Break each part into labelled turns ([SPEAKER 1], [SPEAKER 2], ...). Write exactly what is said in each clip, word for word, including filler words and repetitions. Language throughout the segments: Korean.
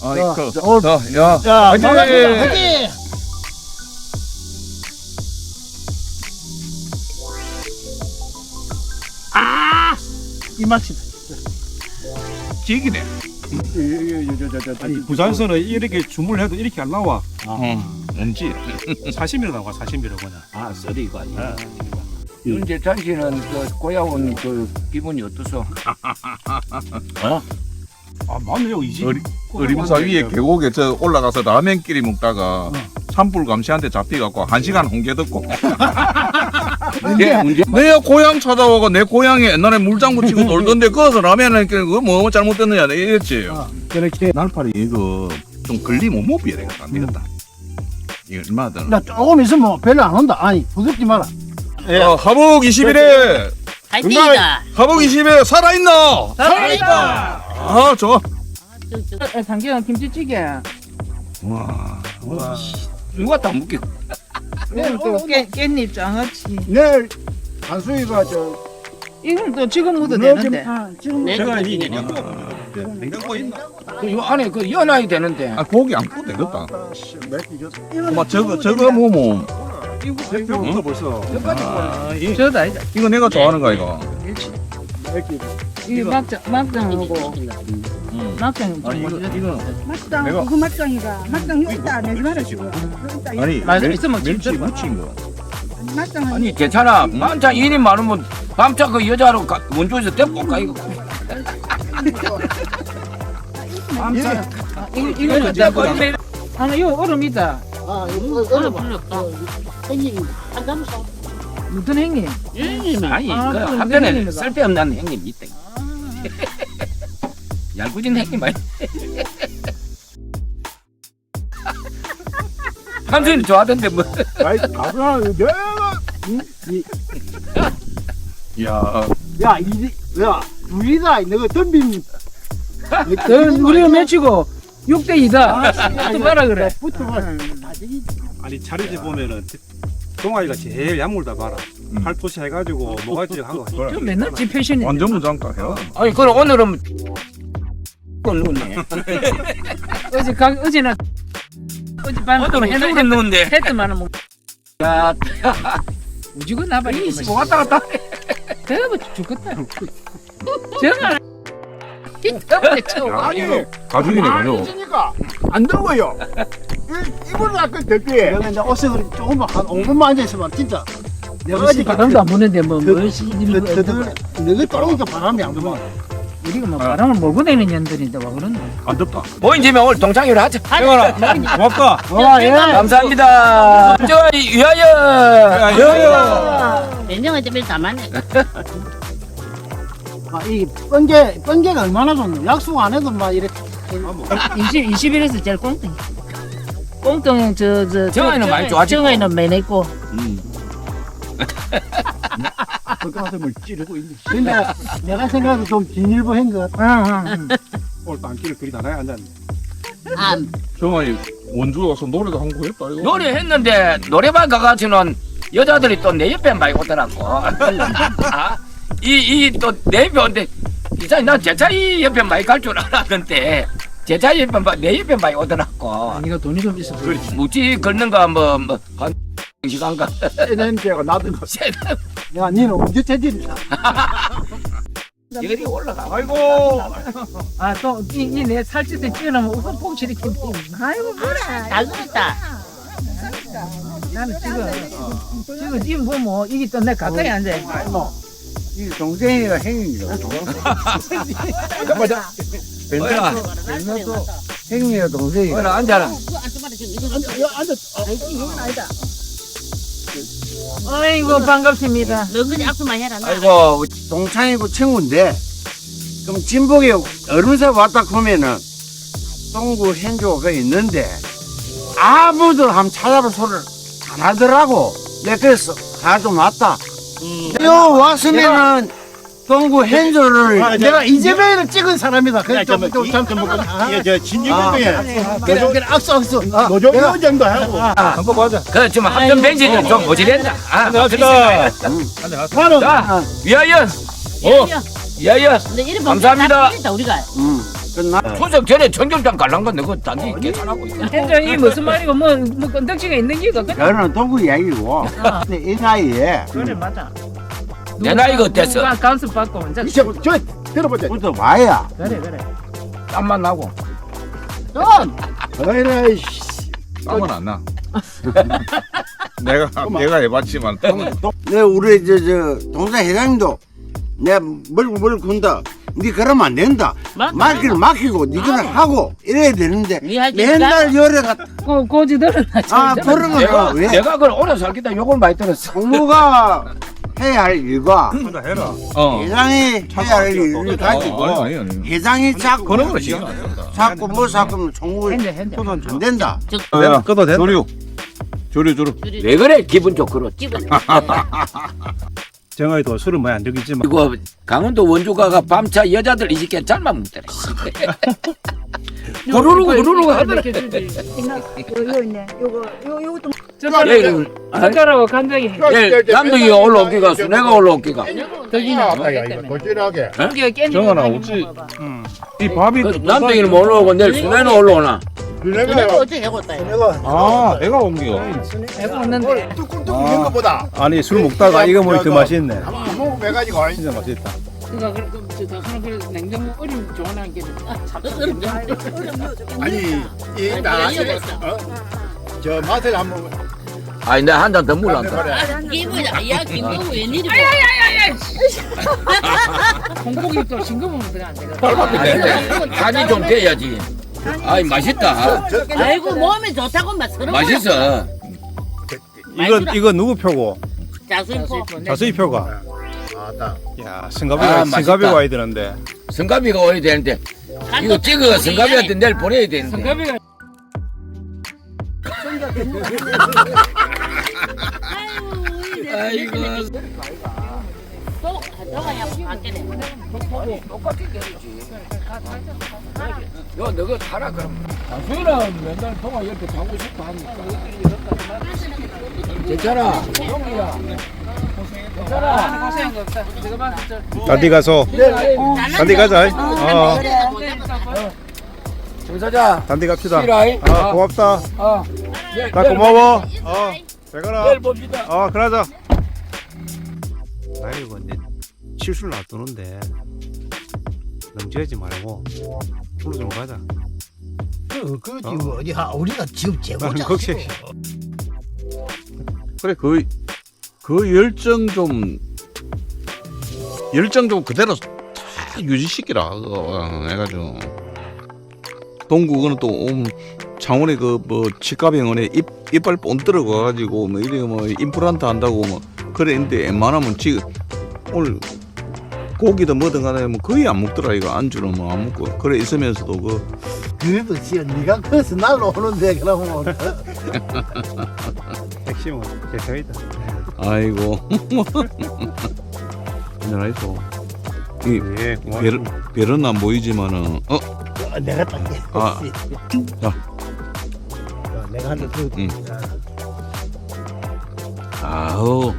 [SPEAKER 1] 아,
[SPEAKER 2] 자,
[SPEAKER 1] 그,
[SPEAKER 2] 자, 오늘-
[SPEAKER 1] 자, 야,
[SPEAKER 2] 자,
[SPEAKER 1] 화이팅!
[SPEAKER 2] 반갑습니다. 화이팅! 아! 이 맛이다.
[SPEAKER 1] 기기네.
[SPEAKER 3] 아니 부산에서는 이렇게 주문을 해도 이렇게 안 나와.
[SPEAKER 1] 응, 뭔지.
[SPEAKER 3] 사시미로 나와 사시미로 그냥.
[SPEAKER 4] 아, 썰이가 아니야. 윤재찬 씨는 그 고향 온 그 기분이 어떠소? 어?
[SPEAKER 3] 아 맞네요 이 집.
[SPEAKER 1] 어리, 어림사 위에 계곡에 저 올라가서 라면끼리 먹다가 산불 감시한테 잡혀갖고 한 시간 홍게 듣고
[SPEAKER 4] 이게 문제.
[SPEAKER 1] 내 고향 찾아오고 내 고향에 옛날에 물장 붙이고 놀던데 거기서 라면을 그거 뭐 잘못됐느냐 내가 이랬지.
[SPEAKER 2] 그렇게.
[SPEAKER 1] 날파리 이거 좀 걸리면 못 비야 되겠다. 안 되겠다. 이거 얼마나 되나?
[SPEAKER 2] 나 조금 있으면 별로 안 온다. 아니, 부럽지 마라.
[SPEAKER 1] 어, 하복 이십일 회
[SPEAKER 5] 파이팅이다.
[SPEAKER 1] 하복 이십 회 살아있나?
[SPEAKER 5] 살아있다.
[SPEAKER 1] 아 좋아.
[SPEAKER 5] 삼계랑 김치찌개.
[SPEAKER 1] 와.
[SPEAKER 4] 와, 누가 다 묶여?
[SPEAKER 5] 이건 또 깻, 깻잎 장아찌.
[SPEAKER 2] 내일 한수이가 저
[SPEAKER 5] 이건 또 지금 묻어도
[SPEAKER 2] 넣어주면-
[SPEAKER 5] 되는데.
[SPEAKER 2] 아, 지금
[SPEAKER 3] 제가 이
[SPEAKER 5] 네.
[SPEAKER 3] 냉장고 있나?
[SPEAKER 4] 그 요 안에 그 연하이 되는데.
[SPEAKER 1] 아 고기 안 구워 되겠다.
[SPEAKER 2] 몇개 줬어.
[SPEAKER 1] 막 저거 저거 뭐뭐.
[SPEAKER 3] 배고프다 벌써.
[SPEAKER 1] 아, 이,
[SPEAKER 5] 저도 아니다.
[SPEAKER 1] 이거 내가 좋아하는 거 이거.
[SPEAKER 2] 몇개
[SPEAKER 5] 이 막장, 막장하고.
[SPEAKER 1] 음.
[SPEAKER 5] 막장 좀
[SPEAKER 1] 아니 이거
[SPEAKER 5] 먼저.
[SPEAKER 1] 이거
[SPEAKER 6] 막장
[SPEAKER 1] 내가-
[SPEAKER 6] 그거 막장이가 막장 여기 있다 내지 마라 지금 여기 있다
[SPEAKER 1] 아니
[SPEAKER 5] 맞아,
[SPEAKER 1] 멸-
[SPEAKER 5] 있으면
[SPEAKER 1] 멸치
[SPEAKER 5] 진짜
[SPEAKER 1] 무친 거.
[SPEAKER 6] 막장
[SPEAKER 4] 아니 괜찮아. 만차 일이 많으면 밤차 그 여자로 가, 원조에서 데리고 가 이거. 밤차.
[SPEAKER 5] 아, 이거, 이거 갖다 버리면. 아, 이거 얼음이다.
[SPEAKER 2] 아, 이거 얼음
[SPEAKER 6] 형님 한담소
[SPEAKER 5] 무슨 행님?
[SPEAKER 4] 아니
[SPEAKER 5] 아,
[SPEAKER 4] 그
[SPEAKER 5] 그럼
[SPEAKER 4] 한편에
[SPEAKER 5] 형님이다.
[SPEAKER 4] 쓸데없는 형님 있다. 얄궂은 형님 아니. 한수이는 좋아하던데 뭐.
[SPEAKER 2] 아이, 가브라 내가
[SPEAKER 1] 야,
[SPEAKER 2] 야, 이 야, 둘이다. 너가 덤빈
[SPEAKER 5] 너, 우리가 맺히고 육 대 이다. 또 뭐라 그래?
[SPEAKER 2] 붙어봐.
[SPEAKER 3] 아니 자리지 보면은 동아이가 제일 야물다 봐라.
[SPEAKER 1] 음.
[SPEAKER 3] 팔토시 해가지고 모가지 한거 같아.
[SPEAKER 5] 저 맨날 지 패션이.
[SPEAKER 1] 완전 무장가 해.
[SPEAKER 4] 아니 그럼 오늘은 그건 누군데?
[SPEAKER 5] 어제 가, 어제는 어제 밤에
[SPEAKER 4] 오늘은 해놓은 누군데?
[SPEAKER 5] 했더만은 뭐
[SPEAKER 4] 야,
[SPEAKER 5] 무지고 나발이
[SPEAKER 4] 뭐 왔다 갔다.
[SPEAKER 5] 대박 죽겠다. 전화. 이따가 쳐.
[SPEAKER 2] 아니,
[SPEAKER 1] 가죽이네 가죽.
[SPEAKER 2] 아니니까 안 더워요. 이- 이거는 아까 덥지. 내가 이제 옷에 그렇게 조금만 한 오 분만 앉아 있으면 진짜 내가 어디
[SPEAKER 5] 바람도 안 부는데 뭐
[SPEAKER 2] 그-
[SPEAKER 5] 무엇이
[SPEAKER 2] 더더 내가 떠오니까 바람이 안 불어.
[SPEAKER 5] 우리가 뭐 바람을 몰고 다니는 년들인데 와 그러네.
[SPEAKER 1] 안 덥다.
[SPEAKER 4] 보인 집에 오늘 동창회를 하자.
[SPEAKER 3] 고맙다.
[SPEAKER 2] 와, 예.
[SPEAKER 4] 감사합니다. 저 위하여.
[SPEAKER 3] 야야야.
[SPEAKER 6] 내년에 때문에 다 맞네
[SPEAKER 2] 아, 이 번개 번개가 얼마나 좋노. 약속 안 해도 막 이렇게
[SPEAKER 5] 이십 이십일에서 제일 꽁뚱. 꽁뚱 저저
[SPEAKER 4] 정아이는 많이 좋아지고.
[SPEAKER 5] 정아이는 매냈고.
[SPEAKER 4] 음.
[SPEAKER 2] 그 가슴을 찌르고 있는. 근데 내가 생각해도 좀 진일보한 것 같아.
[SPEAKER 5] 응, 응.
[SPEAKER 3] 오늘 또 안기를 그리 나가야 앉았네.
[SPEAKER 6] 아
[SPEAKER 1] 정아이 원주 가서 노래도 한 곡 했다 이거.
[SPEAKER 4] 노래했는데 노래방 가가지고는 여자들이 또 내 옆에 많이 오더라고. 아? 이이 또 내 옆에 온데 이사님 난 제차이 옆에 많이 갈 줄 알았는데 제차이 옆에 마- 내 옆에 많이 오더라고.
[SPEAKER 5] 네가 돈이 좀 있어.
[SPEAKER 4] 묵지 걷는 거뭐뭐한 시간가.
[SPEAKER 2] 냄새가 나던 거. 야, 니는 언제 체질이야?
[SPEAKER 4] 열이 올라가.
[SPEAKER 1] 아이고.
[SPEAKER 5] 아또이내 살찌대 찌어나면 우선 폼치 이렇게. 아이고 그래.
[SPEAKER 6] 잘 그랬다
[SPEAKER 5] 나는 지금 지금 지금 보면 이게 또 내 가까이 앉아.
[SPEAKER 2] 이 동생이가 행위이다.
[SPEAKER 3] 맞아.
[SPEAKER 4] 뭐야?
[SPEAKER 2] 또 행위가 동생이가.
[SPEAKER 4] 뭐야 앉아라.
[SPEAKER 6] 그거 앉지 마라 지금 이거
[SPEAKER 2] 앉아, 야, 앉아.
[SPEAKER 6] 아니지 이건 아니다
[SPEAKER 5] 아이고 반갑습니다.
[SPEAKER 6] 너 그냥 악수만 해라 나.
[SPEAKER 4] 아이고
[SPEAKER 7] 동창이고 친구인데 그럼 진복에 얼음새 왔다 그러면은 동구 hen조가 있는데 아무도 한번 찾아볼 소리를 안 하더라고. 내가 그래서 가좀 왔다. 요 왔으면은 동구 hen조를
[SPEAKER 2] 내가 이재명을 찍은 사람이다. 그래 좀 좀좀 먹고.
[SPEAKER 7] 저 진주공동에
[SPEAKER 2] 그래 악수 악수.
[SPEAKER 7] 노조 위원장도 하고
[SPEAKER 1] 한번 봐자.
[SPEAKER 4] 그 지금 합전 벤치는 좀 모질했다. 아,
[SPEAKER 1] 갑시다.
[SPEAKER 2] 나는
[SPEAKER 4] 자 위하여
[SPEAKER 6] 어
[SPEAKER 4] 위하여
[SPEAKER 6] 너 이름
[SPEAKER 4] 감사합니다.
[SPEAKER 6] 우리가
[SPEAKER 7] 음. 그나
[SPEAKER 4] 추석 전에 청첩장 갈란 건 너그 단지 계산하고 있어.
[SPEAKER 5] 현장이 무슨 말이고 뭐, 뭐 건덕지가 있는 기가 그래.
[SPEAKER 7] 저는 동구 이야기고 근데 이 나이에
[SPEAKER 5] 그래 맞아.
[SPEAKER 4] 내 나이가 어땠어?
[SPEAKER 5] 누가 간수 받고 혼자
[SPEAKER 2] 이제 저 들어보자.
[SPEAKER 7] 부터 와야
[SPEAKER 5] 그래 그래.
[SPEAKER 4] 땀만 나고.
[SPEAKER 2] 어이라 씨.
[SPEAKER 1] 땀은 안 나. 내가 내가 해봤지만 땀은
[SPEAKER 7] 내 우리 저 저 동사 회장님도 내가 멀고 멀고 군다. 니 그러면 안 된다.
[SPEAKER 6] 맞다.
[SPEAKER 7] 막기를 막히고 니거는 하고 이래야 되는데
[SPEAKER 6] 니 할게
[SPEAKER 7] 맨날 열애가
[SPEAKER 5] 고 고지들은
[SPEAKER 7] 아 그런 건
[SPEAKER 4] 내가
[SPEAKER 7] 왜
[SPEAKER 4] 내가 그걸 오래 살겠다 욕을 많이 들었어.
[SPEAKER 7] 공무가 해야 할 일과
[SPEAKER 3] 한다 해라.
[SPEAKER 1] 어.
[SPEAKER 7] 회장이 해야 할 일을 가지고
[SPEAKER 1] 아니 아니 아니.
[SPEAKER 7] 회장이 자꾸
[SPEAKER 1] 그런 거 시간 안 쓴다.
[SPEAKER 7] 자꾸 뭐 자꾸 총무를
[SPEAKER 5] 현장 현장.
[SPEAKER 7] 안 된다.
[SPEAKER 1] 야,
[SPEAKER 3] 꺼도 된다.
[SPEAKER 1] 조류. 조류 조류.
[SPEAKER 4] 왜 그래 기분 좋고 그렇지.
[SPEAKER 6] 기분
[SPEAKER 3] 정아이도 술은 많이 안 들겠지만
[SPEAKER 4] 이거 강원도 원주가가 밤차 여자들 이십 개 잘만 먹더라. 부르르고 부르르고 하더라.
[SPEAKER 5] 요거 있네. 요거 요 요것도
[SPEAKER 4] 예, 이거-
[SPEAKER 5] 젓가락하고 간장이
[SPEAKER 4] 예, 남동이가 올라오기가 수내가 올라오기가.
[SPEAKER 5] 더기나
[SPEAKER 7] 거칠하게.
[SPEAKER 5] 이게 깻잎
[SPEAKER 1] 정하나, 어찌- 이 밥이
[SPEAKER 4] 그 남동이는 못 올라오고 내일 수내는 올라오나.
[SPEAKER 6] 내가 어째 해봤다
[SPEAKER 1] 아 애가 옮겨.
[SPEAKER 5] 배가 없는데
[SPEAKER 2] 뚜껑뚜껑 된 것보다
[SPEAKER 3] 아니 술 먹다가 이거 먹으니 더 맛있네.
[SPEAKER 2] 안 먹으면 배가지고
[SPEAKER 3] 진짜 맛있다.
[SPEAKER 5] 그러니까 그저 하나 그 냉장고 얼음 좋아하는 게
[SPEAKER 2] 아니 이 나한테 어? 저 맛을 한번
[SPEAKER 4] 아니 내가 한 잔 더 물란다.
[SPEAKER 6] 기분이야 야 기분 웬일이고
[SPEAKER 5] 공복이 또 싱거우면 그래 안 되거든.
[SPEAKER 4] 간이 좀 돼야지. 아이 맛있다.
[SPEAKER 6] 아이고 몸에 좋다고 막 서로
[SPEAKER 4] 맛있어.
[SPEAKER 3] 이거 이거 누구 표고?
[SPEAKER 6] 자수이포
[SPEAKER 3] 자수이 표가.
[SPEAKER 2] 아다
[SPEAKER 3] 야 승갑이가
[SPEAKER 4] 아, 맛있다.
[SPEAKER 3] 승갑이가 와야 되는데.
[SPEAKER 4] 성가비가 와야 되는데 이거 찍어 성가비한테 내일 보내야 되는데.
[SPEAKER 5] 성가비가
[SPEAKER 4] 아이고.
[SPEAKER 6] 또 가져가야 밖에네
[SPEAKER 4] 똑같은 게지. 야, 너가 타라 그럼. 장수이랑 맨날 동아 옆에 자고 싶어 하니까. 괜찮아. 형이야. 괜찮아.
[SPEAKER 5] 고생한 거 없다. 내가 봤을 때
[SPEAKER 3] 어디 가서 어디 가자. 어.
[SPEAKER 4] 정사자.
[SPEAKER 3] 단디 갑시다.
[SPEAKER 4] 싫어해?
[SPEAKER 3] 아 고맙다.
[SPEAKER 4] 어. 내일-
[SPEAKER 3] 나
[SPEAKER 4] 내일
[SPEAKER 3] 고마워.
[SPEAKER 6] 봅시다.
[SPEAKER 3] 어. 잘 가라.
[SPEAKER 4] 내일 봅시다.
[SPEAKER 3] 어 그러자. 아이고 이제 실수를 놔두는데 넘지하지 말고 술로 좀 가자.
[SPEAKER 2] 그 지금 어디 하 우리가 지금
[SPEAKER 3] 나는
[SPEAKER 2] 제보자.
[SPEAKER 3] 걱정.
[SPEAKER 1] 그래 그, 그 열정 좀 열정 좀 그대로 다 유지시키라 그거 해가지고 동국은 또 음, 창원에 그 뭐 치과병원에 입 이빨 본뜨러 가가지고 뭐 이래 뭐 임플란트 한다고 뭐 그랬는데 웬만하면 지금 오늘 고기도 뭐든 간에 뭐 거의 안 먹더라 이거 안주는 뭐 안 먹고 그래 있으면서도 그
[SPEAKER 2] 그래도 진짜 네가 커서 날로 오는데 그러면
[SPEAKER 3] 핵심은 제 저이다.
[SPEAKER 1] 아이고 안녕하 있어 이
[SPEAKER 3] 예,
[SPEAKER 1] 별,
[SPEAKER 3] 고맙습니다.
[SPEAKER 1] 별은 안 보이지만은 어
[SPEAKER 2] 어, 내가 딱 해.
[SPEAKER 1] 아. 자.
[SPEAKER 2] 어, 내가 한대 더.
[SPEAKER 1] 응. 아우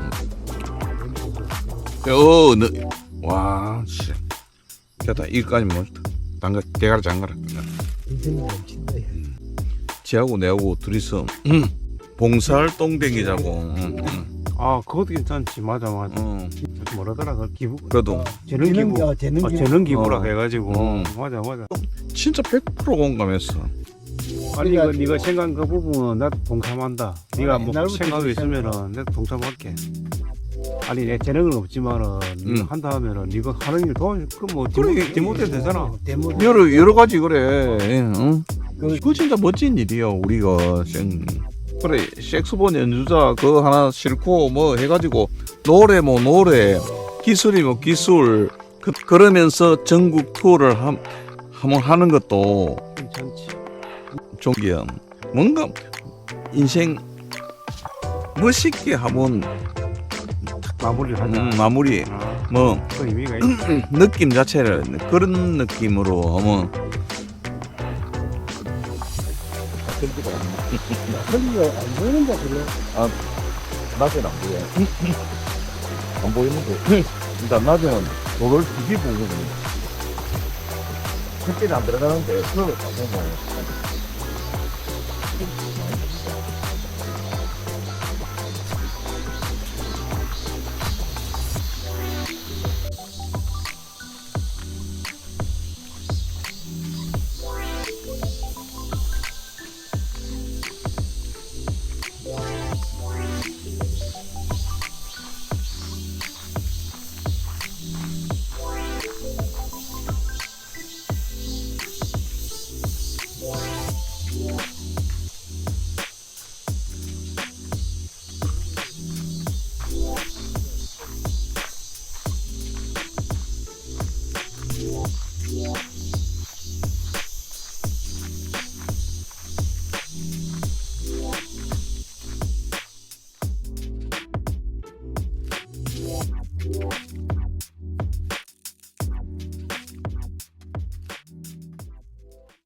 [SPEAKER 1] 어, 너, 와, 씨. 됐다. 이거까지 먹었다. 담가, 대가리 장가라.
[SPEAKER 2] 인생이 넘친다.
[SPEAKER 1] 지하고 내하고 둘이서, 음, 봉사활동 댕기자고. 음, 음,
[SPEAKER 3] 아 그것도 괜찮지. 맞아 맞아.
[SPEAKER 1] 어,
[SPEAKER 3] 뭐라더라 그 기부.
[SPEAKER 1] 그래도
[SPEAKER 3] 재능
[SPEAKER 2] 재능,
[SPEAKER 3] 기부.
[SPEAKER 2] 어, 재능
[SPEAKER 3] 어,
[SPEAKER 2] 기부.
[SPEAKER 3] 재능 기부라
[SPEAKER 1] 어.
[SPEAKER 3] 해가지고.
[SPEAKER 1] 어.
[SPEAKER 3] 맞아 맞아.
[SPEAKER 1] 진짜 백 퍼센트 공감했어.
[SPEAKER 3] 아니 이거 네가 생각한 그 부분은 나도 동참한다. 네가 뭐
[SPEAKER 2] 옛날부터
[SPEAKER 3] 생각이
[SPEAKER 2] 그렇게
[SPEAKER 3] 있으면은 내가 동참할게. 아니 내 재능은 없지만은 네가
[SPEAKER 1] 음.
[SPEAKER 3] 한다 하면은 네가 하는 일 도와줄 그뭐
[SPEAKER 1] 그래.
[SPEAKER 3] 디모데 되잖아.
[SPEAKER 2] 대모.
[SPEAKER 1] 여러, 여러 가지 그래. 응? 그, 그 진짜 멋진 일이야, 우리가. 생, 그래, 색소폰 연주자 그거 하나 싫고 뭐 해가지고, 노래 뭐 노래, 기술이 뭐 기술, 그, 그러면서 전국 투어를 함, 한번 하는 것도
[SPEAKER 3] 괜찮지.
[SPEAKER 1] 종기야. 뭔가 인생 멋있게 한번
[SPEAKER 3] 마무리를 하자.
[SPEAKER 1] 음, 마무리,
[SPEAKER 3] 아,
[SPEAKER 1] 뭐,
[SPEAKER 3] 그 의미가 있.
[SPEAKER 1] 느낌 자체를 그런 느낌으로 한번
[SPEAKER 2] 소리가 안 보이는데 그래.
[SPEAKER 1] 낮에는 안 보여. 안 보이는데 일단 낮에는 그걸 뒤집어 보거든요.
[SPEAKER 8] 껍질이 안 들어가는데 그걸 보면